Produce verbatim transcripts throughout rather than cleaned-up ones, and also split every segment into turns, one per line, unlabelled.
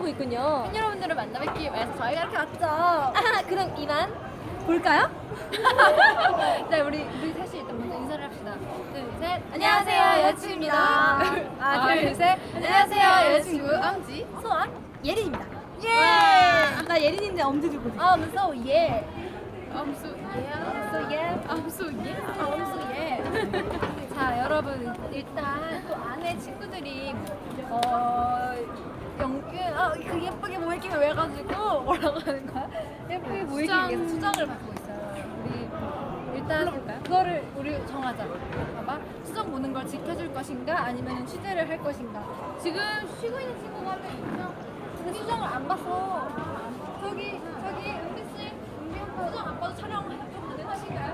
하고 있군요.
팬 여러분들을 만나뵙기 위해서 저희가 이렇게 왔죠.
아, 그럼 이만 볼까요?
네, 우리 우리 셋이 일단 먼저 인사를 합시다. 둘, 셋. 안녕하세요, 여자친구입니다.
아, 둘, 셋.
안녕하세요, 여자친구 엄지.
소원 예린입니다. 예. 나 예린인데 엄지 들고 있어.
Um, so yeah. Um, so yeah.
So yeah.
Um, so yeah. Um, so yeah. 자, 여러분 일단 또 안에 친구들이 어 영균 아그 예쁘게 모이기 왜 가지고 뭐라고 하는 거야? 예쁘게 모이기 위해서 수정을 받고 있어요. 우리 일단 그거를 우리 정하자. 봐봐. 수정 보는 걸 지켜줄 것인가 아니면 취재를 할 것인가. 지금 쉬고 있는 친구가 한 명 있죠? 근데 수정을 안 봐서 저기 저기 은비 씨, 은비 오빠 수정 안 봐도 촬영 가능하신가요?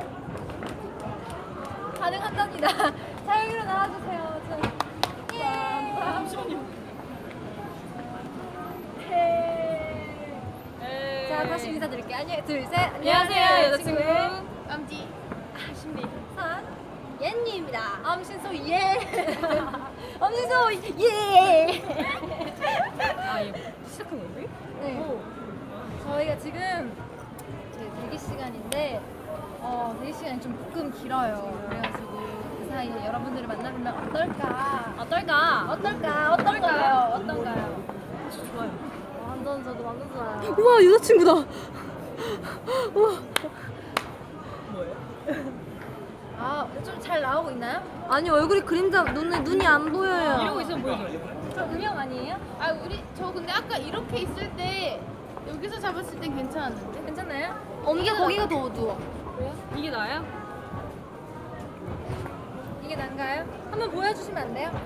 가능한답니다. 자 여기로 나와주세요. 저. 예. 잠시만요. 자 다시 인사드릴게요. 안녕, 둘, 셋.
안녕하세요, 여자친구.
엄지.
아, 신비.
선.
옌니입니다.
엄신소 예.
엄지소 예.
아, 이거 시작한 건데?
네. 저희가 지금 제 대기 시간인데 어 대기 시간이 좀 조금 길어요. 그래가지고 그 사이에 여러분들을 만나보면 어떨까?
어떨까?
어떨까? 어떨까요? 어떤가요?
좋아요.
완전 저도 완전 좋아요.
우와, 여자친구다. 우와.
뭐예요?
아, 좀 잘 나오고 있나요?
아니, 얼굴이 그림자, 눈에 눈이 안 보여요.
이러고 있으면 보여줘요.
저 음영 아니에요?
아 우리 저 근데 아까 이렇게 있을 때 여기서 잡았을 땐 괜찮았는데
괜찮나요?
엄지가 거기가 더 어두워.
이게 나야?
이게 난가요? 한번 보여주시면 안 돼요?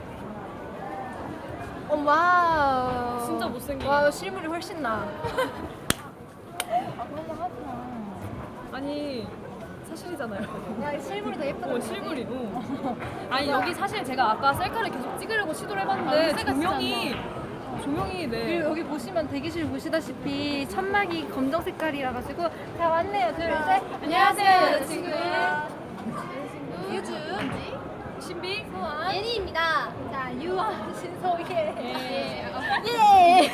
어, 와우.
진짜 못생긴.
와, 실물이 훨씬 나. 아, 그런 거 하구나.
아니, 사실이잖아요.
야, 실물이 더 예쁘다.
어, 실물이. 어. 아니, 여기 사실 제가 아까 셀카를 계속 찍으려고 시도를
아,
해봤는데
셀카
조명이, 조명이 네.
그리고 여기 보시면 대기실 보시다시피 천막이 검정 색깔이라 가지고 다 왔네요. 둘, 셋. 안녕하세요, 여자친구. 유주,
신비?
소원,
예린입니다.
자, 유원, 신소예.
예.
예.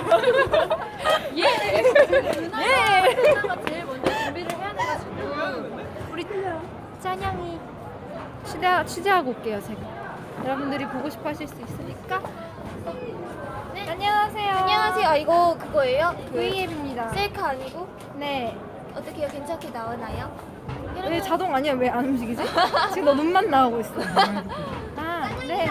예. 누나가 누나가 제일 먼저 준비를 해야 돼가지고 우리 짠양이 취재 취재하고 올게요, 제가. 여러분들이 보고 싶어하실 수 있으니까. 네. 안녕하세요.
안녕하세요. 아, 이거 그거예요?
브이앱입니다.
셀카 아니고?
네.
어떻게요? 괜찮게 나오나요?
왜 자동 아니야? 왜 안 움직이지? 지금 너 눈만 나오고 있어. 아, 네.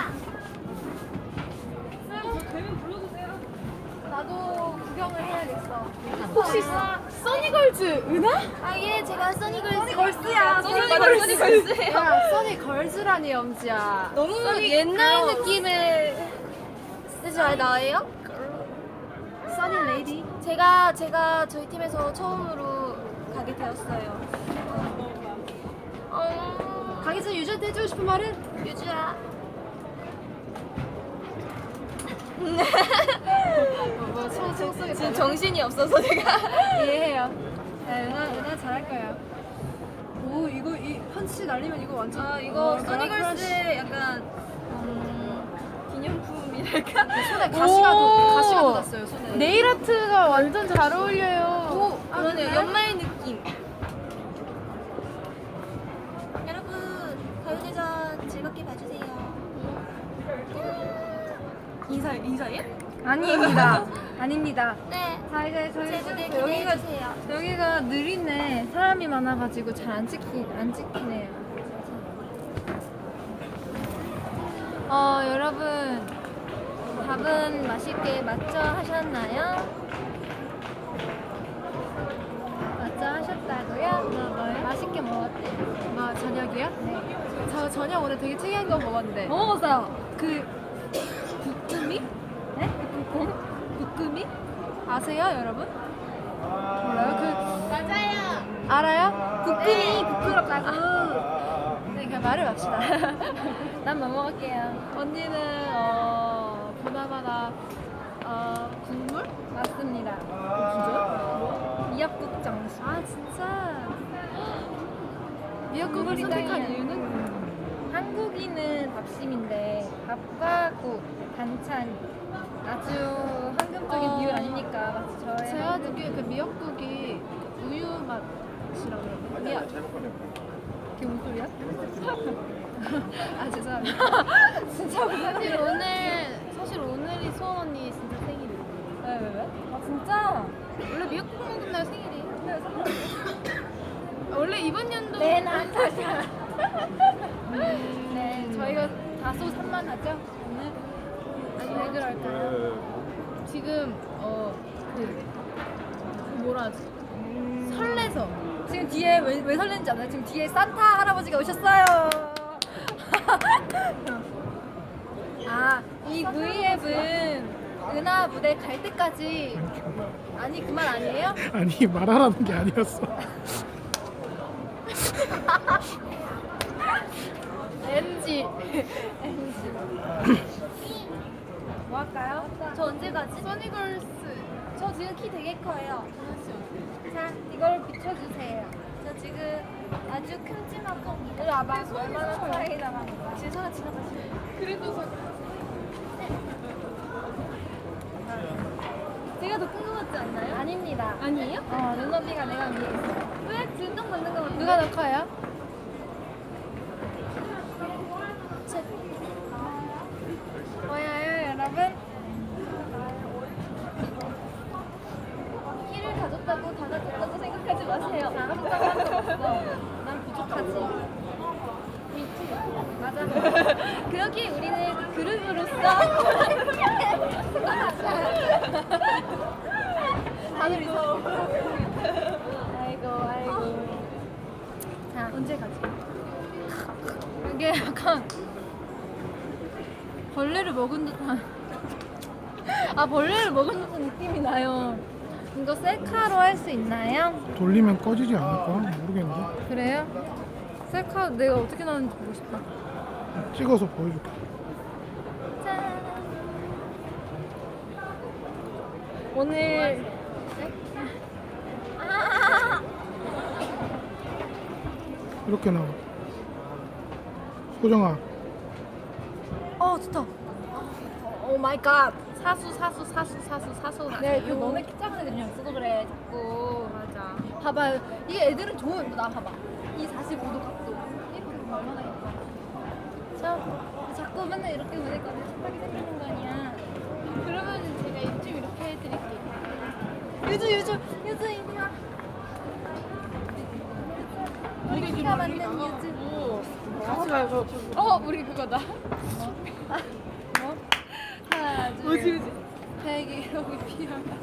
되면 불러주세요.
나도 구경을 해야겠어.
혹시 써니걸즈 은하?
아, 예, 제가 써니걸스.
써니걸스야.
써니걸스.
야, 써니걸즈라니 엄지야.
너무 옛날 느낌의 잘 나와요?
써니 레이디.
제가 제가 저희 팀에서 처음으로 가게 되었어요. 어,
가기 전에 유저한테 해주고 싶은 말은?
유주야.
뭐, 총, 총 쏘기
지금 정신이 없어서 제가.
이해해요. 야, 은하, 은하 잘할 거야. 오, 이거, 이 펀치 날리면 이거 완전.
아, 이거
어,
써니걸스의 약간 음, 기념품이랄까?
손에 가시가, 돋, 가시가
오.
돋았어요, 손에.
네일 아트가 완전 잘 어울려요.
오, 아,
그러네요.
그래요?
연말 느낌. 여러분, 가요대전 즐겁게 봐주세요.
인사, 인사해?
아닙니다. 아닙니다.
네.
자, 이제 저희
제 무대
또 여기가,
기대해주세요.
여기가 느리네. 사람이 많아가지고 잘 안 찍히, 안 찍히네요. 어, 여러분. 밥은 맛있게 맛져 하셨나요? 맛져 하셨다고요? 뭐, 맛있게 먹었대.
아 저녁이요?
네.
저 저녁 오늘 되게 특이한 거 먹었는데.
뭐 먹었어요?
그 부끄미?
네? 국
부끄미?
아세요, 여러분? 몰라요? 그,
맞아요.
알아요?
부끄미,
부끄럽다고. 네, 그냥 말을 맙시다. 난 뭐 먹을게요? 언니는, 어, 보나마나, 어, 국물? 맞습니다.
진짜요?
미역국 정식.
아 진짜. 미역국을
국물이
선택한
땅이야.
이유는?
한국인은 밥심인데 밥과 국, 반찬 아주 황금적인
어.
비율
그게 그 미역국이 우유 맛이라고 그러나? 미역.
그게 무슨 소리야? 아 죄송합니다. 진짜 무슨
사실
소리야?
오늘 사실 오늘이 수원 언니 진짜 생일이에요.
왜, 왜, 왜? 아 진짜?
원래 미역국 먹은 날 생일이에요. 원래 이번 연도
네, 난 다시. 네, 저희가 다소 산만하죠 오늘. 아니 왜 그럴까요?
지금 어그 뭐라 하지? 설레서
지금 뒤에 왜, 왜 설레는지 알아요? 지금 뒤에 산타 할아버지가 오셨어요. 아, 이 V앱은 은하 무대 갈 때까지 아니 그 말 아니에요?
아니 말하라는 게 아니었어.
엔지. 엔지. 뭐 할까요? 저 언제 가지?
써니걸스
저 지금 키 되게 커요. 자, 이걸 비춰주세요. 저 지금 아주 큼지막한 이리 와봐. 얼마나 차이 나는가. 지성아 지나가지.
그래도 서
제가 더 큰 거 같지 않나요? 아닙니다. 아니에요? 어, 눈높이가 내가 위에 있어요. 왜? 진동 받는 거 같은데?
누가 더 커요?
제... 보여요, 여러분? 키를 가졌다고 달라졌다고 생각하지 마세요. 가졌다고 한 적 없어. 난 부족하지. 맞아. 그렇게 우리는 그룹으로서 다들 있어. 아이고 아이고. 자 언제 가지? 이게 약간 벌레를 먹은 듯한. 아 벌레를 먹은 듯한 느낌이 나요. 이거 셀카로 할 수 있나요?
돌리면 꺼지지 않을까? 모르겠는데.
그래요? 셀카 내가 어떻게 나오는지 보고 싶다.
찍어서 보여줄게.
짠. 오늘 아!
이렇게 나와. 소정아,
어 좋다. 오 마이 갓.
사수 사수 사수 사수 사수
네, 그 너네 키 작은 애들이랑 있어도 그래 자꾸.
맞아.
봐봐요. 이 애들은 좋은 나 봐봐. 이 사십오 도 각도. 이렇게 보면 얼마나 예뻐. 저 자꾸 맨날 이렇게 보니까 촉촉하게 생기는 거 아니야.
그러면 제가 이쯤 이렇게 해드릴게요.
유주 유주 유주 이리 와. 우리 키가 맞는 유주.
같이 가요. 어 우리 그거다.
뭐? 하나 둘.
뭐지 뭐지?
대기록이 필요하다.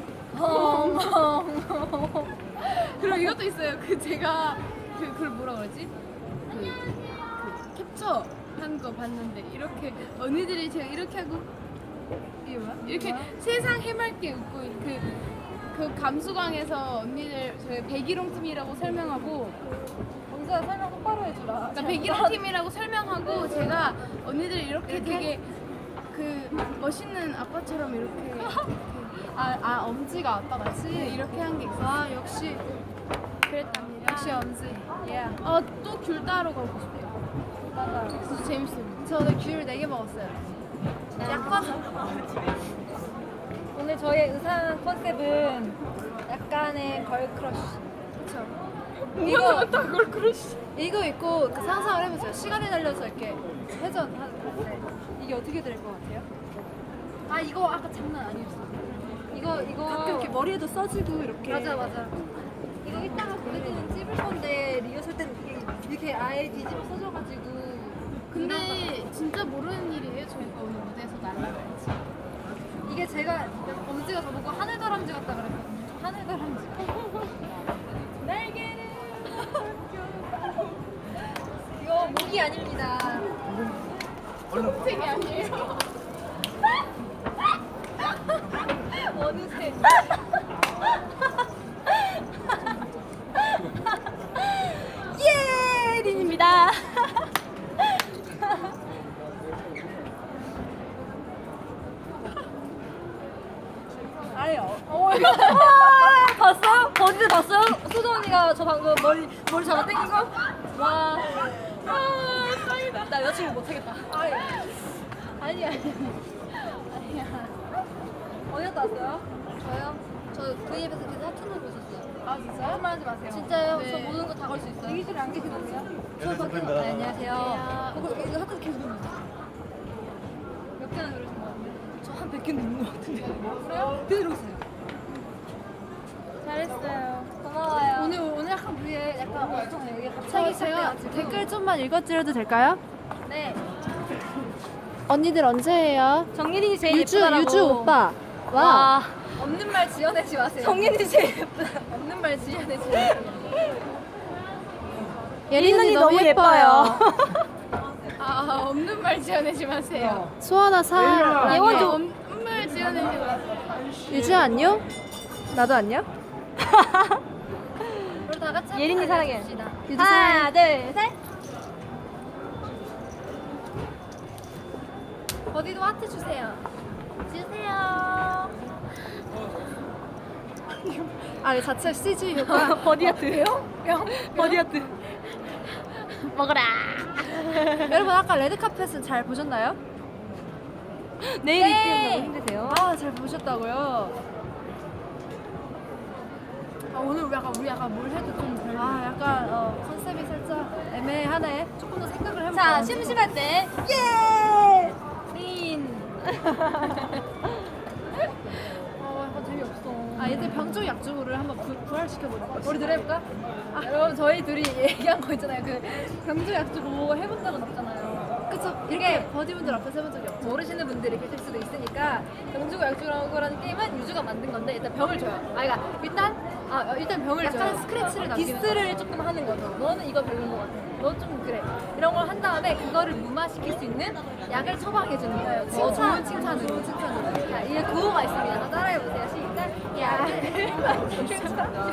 엉엉.
그리고 이것도 있어요. 그 제가 그 그걸 뭐라 그러지? 그, 그 캡처 한 거 봤는데 이렇게 언니들이 제가 이렇게 하고 이게 뭐야? 이렇게 세상 해맑게 웃고 그, 그 감수광에서 언니들 저희 백일홍 팀이라고 설명하고
영수야 설명 똑바로 해주라.
그러니까 백일홍 팀이라고 설명하고 제가 언니들 이렇게,
이렇게?
되게 그 멋있는 아빠처럼 이렇게 아, 아 엄지가 아빠 같이 이렇게 한 게 있어. 아 역시 그랬답니다.
역시 엄지. 예.
아또 귤 따러 가고 싶어요.
맞아.
진짜 재밌어요.
저는 귤 네 개 먹었어요. 약간 오늘 저의 의상 컨셉은 약간의 걸크러쉬. 그쵸? 이거
그걸 그러시.
이거 입고 그 상상을 해보세요. 시간이 달려서 이렇게 회전 할때 이게 어떻게 될 것 같아요? 아 이거 아까 장난 아니었어. 이거 이거 가끔 이렇게 머리에도 써지고 이렇게. 맞아 맞아. 이거 이따가 보내드리는 찝을 건데 리허설 때는 이게 이렇게 아예 뒤집어 써져가지고.
근데 진짜 모르는 일이에요. 저희가 오늘 무대에서 날라갈지.
이게 제가 엄지가 저보고 하늘다람쥐 같다 그랬거든요. 하늘다람쥐. 날개를 이거 목이 아닙니다.
되게 아니에요.
어느새. 예! 린입니다. 아니요. 어, 봤어요? 버즈 봤어요? 수정 언니가 저 방금 머리 머리 잡아 당긴 거? 와. 아, 짱이다. 나 여자친구 못 하겠다. 아니. 아니 아니. 아니야. 어디 갔다 왔어요? 저요? 저 V앱에서 계속 아 진짜요? 거짓말하지 마세요.
진짜요?
네.
저 모든 거 다 걸 수 있어요.
대기실에 안 계시던데요?
저 밖에 네, 안녕하세요.
그거 이거 학교 계속 듣는 몇 개나 들으신 것 같은데?
저 한 백 개 넘는 것 같은데.
그래요? 들으세요.
잘했어요. 고마워요.
오늘 오늘 약간 우리의 약간 엄청 이게
저
갑자기
제가
시작돼가지고.
댓글 좀만 읽어드려도 될까요?
네.
언니들 언제 해요?
정예린이 제일
유주
예쁘다라고.
유주 오빠. 와.
와.
없는 말 지어내지 마세요.
정예린이 제일 예쁘다.
없는 말 지어내지 마세요.
예린 언니 너무 예뻐요.
아 없는 말 지어내지 마세요.
수아나 사. 예원 좀.
없는 말 지어내지 마세요.
유주 안녕? 나도 안녕?
우리 다 같이
예린이
한번
사랑해.
해줍시다.
유주 사랑해.
하나, 둘, 셋.
어디도 하트 주세요. 주세요.
아, 이 자체 씨지 효과.
버디아트요? 버디아트. 먹어라.
여러분 아까 레드카펫은 잘 보셨나요?
내일 입기 너무 힘드세요?
아, 잘 보셨다고요?
아 오늘 우리 약간 우리 약간 뭘 해도 좀 별.
아, 약간 어, 컨셉이 살짝 애매하네. 조금 더 생각을 해볼까?
자, 심심할 때.
예!
린.
아 약간 재미없어.
아, 얘들 병조 약조를 한번 부, 부활시켜보는 거야. 우리 둘 해볼까? 아, 여러분 저희 둘이 얘기한 거 있잖아요. 그 병조 약조 뭐 해본 적은 없잖아요. 그쵸? 이렇게 버디분들 앞에서 해본 적이 없죠. 모르시는 분들이 계실 수도 있으니까 병주고 약조라는 게임은 유주가 만든 건데 일단 병을 줘요. 아, 그러니까 일단 아 어, 일단 병을 줘요. 약간 스크래치를 남기는 디스를 조금 하는 거죠. 너는 이거 별로인 것 같아. 너 좀 그래. 이런 걸 한 다음에 그거를 무마시킬 수 있는 약을 처방해 주는 거예요. 칭찬, 좋은 칭찬으로 칭찬으로. 자, 이게 구호가 있습니다. 한번 따라해보세요. 시작. 약을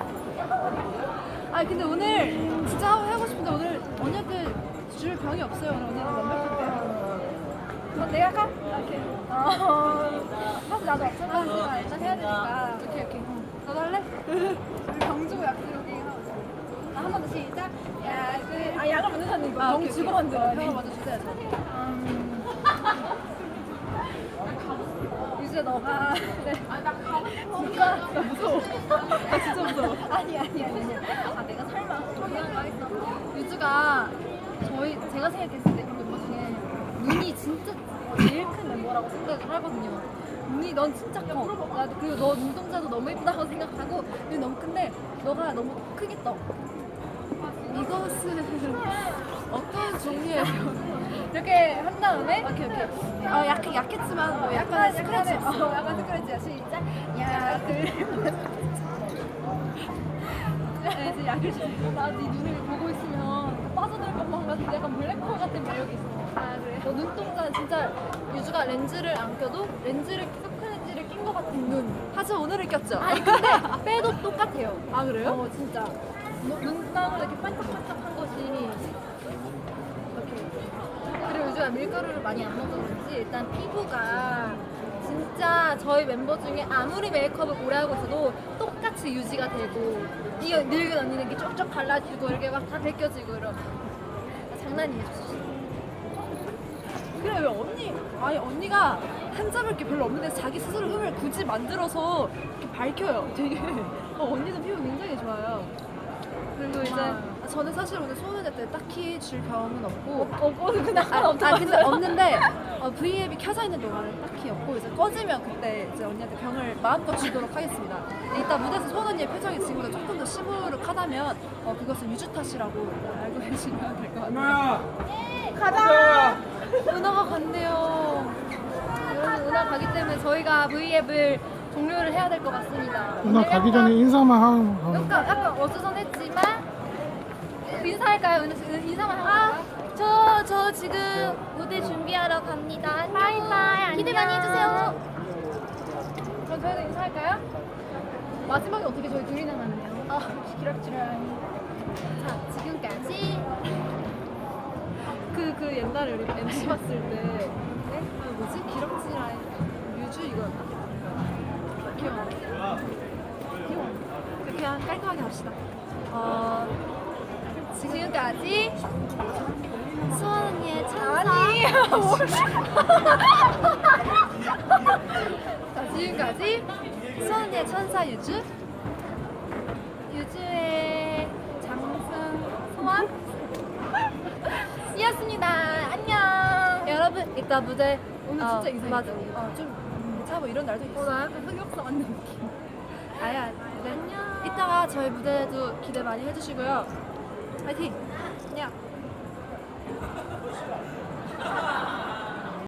아 근데 오늘 진짜 하고 하고 싶은데 오늘 언니한테 줄 병이 없어요. 오늘 언니는 완벽한데요. 어, 내가 할까? 이렇게. 어, 사실 나도 없잖아. 하지만 일단 해야 되니까. 오케이 오케이. 너도 할래? 우리 병 주고 약 주고 게임 하고 있어. 아, 한 번 더 시작. 약을 아 약을 먼저 찾는 거. 아,
병
오케이,
주고
오케이.
만들어.
병을 먼저 주셔야죠.
유주야 너가 그래. 아나 가고 싶어. 진짜 나 무서워. 아 진짜 무서워. 아니 아니 아니. 아 내가 설마 미안 말했어. 유주가 저희 제가 생각했을 때 이 멤버 중에 눈이 진짜 제일 큰 멤버라고 생각을 하거든요. 눈이 넌 진짜 커. 나도 그리고 너 눈동자도 너무 예쁘다고 생각하고 눈이 너무 큰데 너가 너무 크게 떠.
이것은 어떤 종류예요?
이렇게 한 다음에
오케이 오케이. 어, 약 약했지만 뭐 약간 스크래치
어,
있어.
약간 스크래치야. 시작. 약을
네, 이제 약을 주.
나네 눈을 보고 있으면 빠져들 것만 같은 약간 블랙홀 같은 매력이 있어.
아 그래?
너 눈동자 진짜 유주가 렌즈를 안 껴도 렌즈를 섞은 렌즈를 낀 것 같은 눈.
하지만 오늘을 꼈죠.
아니 근데 빼도 똑같아요.
아 그래요?
어 진짜. 너- 눈망울 이렇게 반짝반짝한 것이 이렇게. 그리고 요즘 밀가루를 많이 안 먹어서 그런지 일단 피부가 진짜 저희 멤버 중에 아무리 메이크업을 오래 하고 있어도 똑같이 유지가 되고 이 늙은 언니는 이렇게 쪽쪽 갈라지고 이렇게 막 다 벗겨지고 이런. 장난이에요.
그래 왜 언니 아니 언니가 한 잡을 게 별로 없는데 자기 스스로 흠을 굳이 만들어서 이렇게 밝혀요. 되게 어, 언니도 피부 굉장히 좋아요. 그리고 이제 아, 저는 사실 오늘 소원회 때 딱히 줄 병은 없고
없고 그냥
아, 아 근데 없는데 어, V앱이 켜져 있는 동안은 딱히 없고 이제 꺼지면 그때 이제 언니한테 병을 마음껏 주도록 하겠습니다. 근데 이따 무대에서 소원 언니의 표정이 지금보다 조금 더 시무룩하다면 어, 그것은 유주 탓이라고 알고 계시면 될 것 같아요.
가자. 은하가 간대요. 여러분 은하 가기 때문에 저희가 V앱을 종료를 해야 될 것 같습니다.
누나 가기 전에 인사만 하는 거.
약간 약간 어수선했지만 인사할까요? 은- 은- 인사만 하고
아,
갈까요?
저, 저 지금 무대 준비하러 갑니다. 안녕.
바이바이,
기대 많이
안녕.
해주세요.
그럼 저희도 인사할까요? 마지막에 어떻게 저희 둘이 나가느냐? 아 기럭지랑.
자, 지금까지 그, 그 옛날에 우리 엠씨 봤을 때 네? 아, 뭐지? 기럭지라인 뮤즈 이거였나? 기억 안 나. 기억 안 나. 그냥 깔끔하게 합시다. 어, 지금까지 수원 언니의 천사. 자, 지금까지 수원 언니의 천사 유주
유주의 장승 소원 이었습니다. 안녕. 여러분 이따 무대
오늘
어,
진짜 인상
맞아.
있다.
어, 좀 차고 이런 날도 있어.
어, 나 약간 흑역사 맞는 느낌.
아야. 네. 안녕. 이따가 저희 무대도 기대 많이 해주시고요. 파이팅. 안녕.